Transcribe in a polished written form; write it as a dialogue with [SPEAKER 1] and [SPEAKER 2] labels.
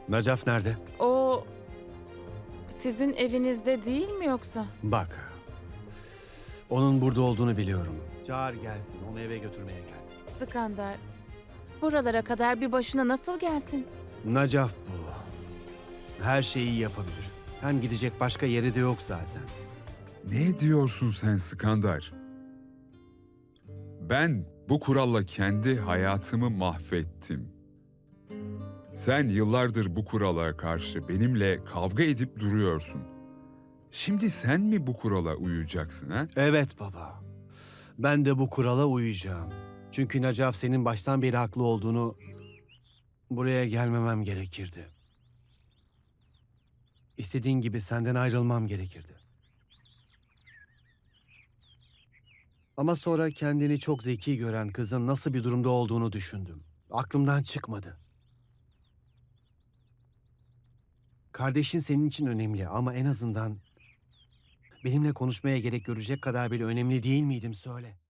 [SPEAKER 1] Nacaf nerede?
[SPEAKER 2] O sizin evinizde değil mi yoksa?
[SPEAKER 1] Bak. Onun burada olduğunu biliyorum. Çağır gelsin. Onu eve götürmeye gel.
[SPEAKER 2] Skandar, buralara kadar bir başına nasıl gelsin?
[SPEAKER 1] Nacaf bu. Her şeyi yapabilir. Hem gidecek başka yeri de yok zaten.
[SPEAKER 3] Ne diyorsun sen Skandar? Ben bu kuralla kendi hayatımı mahvettim. Sen yıllardır bu kurala karşı benimle kavga edip duruyorsun. Şimdi sen mi bu kurala uyacaksın ha?
[SPEAKER 1] Evet baba. Ben de bu kurala uyacağım. Çünkü Nacaf senin baştan beri haklı olduğunu... Buraya gelmemem gerekirdi. İstediğin gibi senden ayrılmam gerekirdi. Ama sonra kendini çok zeki gören kızın nasıl bir durumda olduğunu düşündüm. Aklımdan çıkmadı. Kardeşin senin için önemli ama en azından benimle konuşmaya gerek görecek kadar bile önemli değil miydim söyle.